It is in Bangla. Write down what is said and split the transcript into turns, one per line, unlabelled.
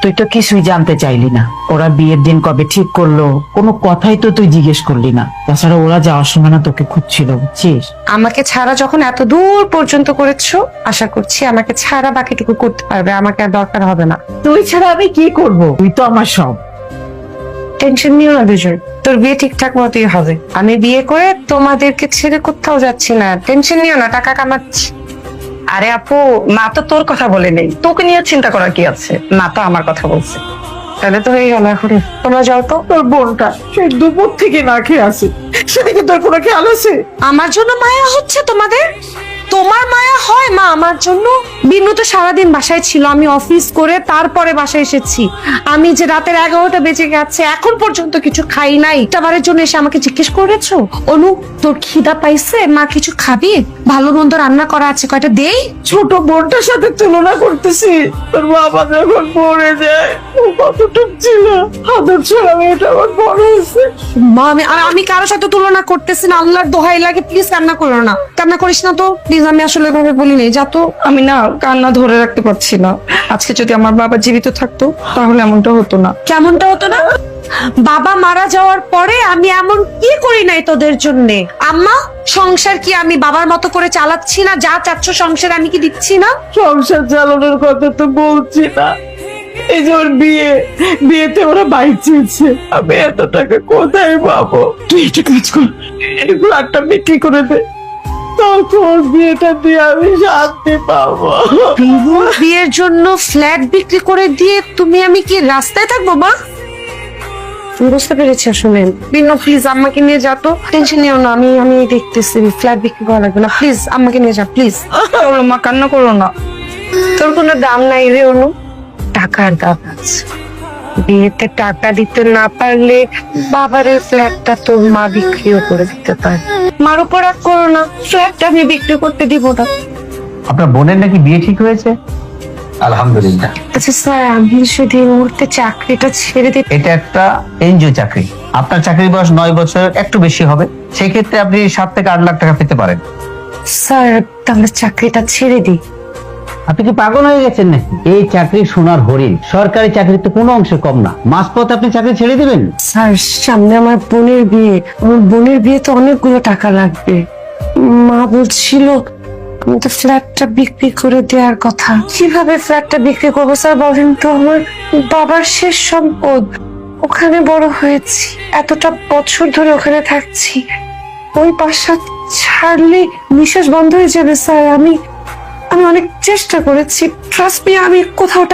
তুই তো কিছুই জানতে চাইলি না। ওরা বিয়ের দিন কবে ঠিক করলো কোনো কথাই তো তুই জিজ্ঞেস করলি না। তাছাড়া ওরা যাওয়ার সময় না তোকে খুঁজছিল, বুঝছিস?
আমাকে ছাড়া যখন এত দূর পর্যন্ত করেছো, আশা করছি আমাকে ছাড়া বাকিটুকু করতে পারবে, আমাকে আর দরকার হবে না।
তুই ছাড়া আমি কি করব? তুই তো আমার সব।
টেনশন নিও না দুজন, তোর বিয়ে ঠিকঠাক মতোই হবে। আমি বিয়ে করে তোমাদেরকে ছেড়ে কোথাও যাচ্ছি না, টেনশন নিও না, টাকা কামাচ্ছি।
আরে আপু, মা তো তোর কথা বলে নেই, তোকে নিয়ে চিন্তা করার কি আছে? মা তো আমার কথা বলছে।
তাহলে তো হয়ে গেল, এখন তোমরা যাও তো।
তোর বোনটা সেই দুপুর থেকে না খেয়ে আছে, সেদিকে তোর কোনো খেয়াল আছে?
আমার জন্য মায়া হচ্ছে তোমাদের? তোমার মায়া হয় মা আমার জন্য? বিনু তো সারাদিন বাসায় ছিল, আমি অফিস করে তারপরে বাসায় এসেছি। আমি যে রাতের 11টা বেজে গেছে এখন পর্যন্ত কিছু খাই নাই, টাবারের জন্য এসে আমাকে জিজ্ঞেস করেছো অনু তোর খিদা পাইছে, মা কিছু খাবি? ভালো মন্দ রান্না করা আছে, কয়টা দেই?
ছোট বোনটার সাথে তুলনা করতেছি। তোর বাবা যখন পড়ে যায় ও কতটুক ছিল, আদর ছাড়া মেয়েটা আমার বড় হয়েছে।
মা আমি কারোর সাথে তুলনা করতেছি না, আল্লাহর দোহাই লাগে প্লিজ কান্না করো না, কান্না করিস না তো প্লিজ। আমি আসলে এভাবে বলিনি, যা তো।
আমি না কান্না ধরে রাখতে পারছি না। আজকে যদি আমার বাবা জীবিত থাকতো তাহলে এমনটা হতো না।
কেমনটা হতো না? বাবা মারা যাওয়ার পরে আমি এমন কি করি নাই তোদের জন্য? আম্মা, সংসার কি আমি বাবার মতো করে চালাচ্ছি না? যা চাচ্ছ সংসার আমি কি দিচ্ছি না?
সংসার চালানোর কথা তো বলছি না, এই যে ওর বিয়েতে ওরা বাইক চেয়েছে, আমি এত টাকা কোথায় পাবো? তুই একটা কাজ কর, এই ফ্ল্যাটটা বিক্রি করে দে, তখন বিয়েটা দিয়ে আমি শান্তি পাবো।
বিনুর বিয়ের জন্য ফ্ল্যাট বিক্রি করে দিয়ে আমি কি রাস্তায় থাকবো মা? বুঝতে পেরেছি আসলে। বিনু প্লিজ আম্মাকে নিয়ে যা তো, টেনশন নিও না, আমি দেখতেছি, ফ্ল্যাট বিক্রি করা লাগবে না, প্লিজ আম্মাকে নিয়ে যা প্লিজ।
চলো মা, কান্না করো না।
তোর কোনো দাম নাই রে অনু, টাকার দাম আছে। বিয়েতে টাকা দিতে না পারলে বাবার ফ্ল্যাটটা তোর মা বিক্রিও করে দিতে পারে। মার উপর রাগ করো না, ফ্ল্যাটটা আমি বিক্রি করতে দিব না।
আপনার বোনের নাকি বিয়ে ঠিক হয়েছে? আলহামদুলিল্লাহ।
আচ্ছা স্যার, আমি যদি এই মুহূর্তে চাকরিটা ছেড়ে দিই?
এটা একটা এনজিও চাকরি, আপনার চাকরির বয়স 9 বছর একটু বেশি হবে, সেক্ষেত্রে আপনি 7 থেকে 8 লাখ টাকা পেতে পারেন।
স্যার তাহলে চাকরিটা ছেড়ে দিই।
আপনি কি পাগল হয়ে গেছেন নাকি? এই চাকরি সোনার হরিণ, সরকারি চাকরি তো কোনো অংশে কম না। মাঝপথে আপনি চাকরি ছেড়ে দিবেন?
স্যার সামনে আমার বোনের বিয়ে, আমার বোনের বিয়ে তো অনেকগুলো টাকা লাগবে। মা বলছিল আমি তো ফ্ল্যাটটা বিক্রি করে দেওয়ার কথা। কিভাবে ফ্ল্যাটটা বিক্রি করবো স্যার বলেন তো? আমার বাবার শেষ সম্পদ, ওখানে বড় হয়েছি, এতটা বছর ধরে ওখানে থাকছি, ওই বাসা ছাড়লে নিঃশ্বাস বন্ধ হয়ে যাবে স্যার। আমি অনেক চেষ্টা করেছি, ট্রাস্ট মি, আমি কোথাও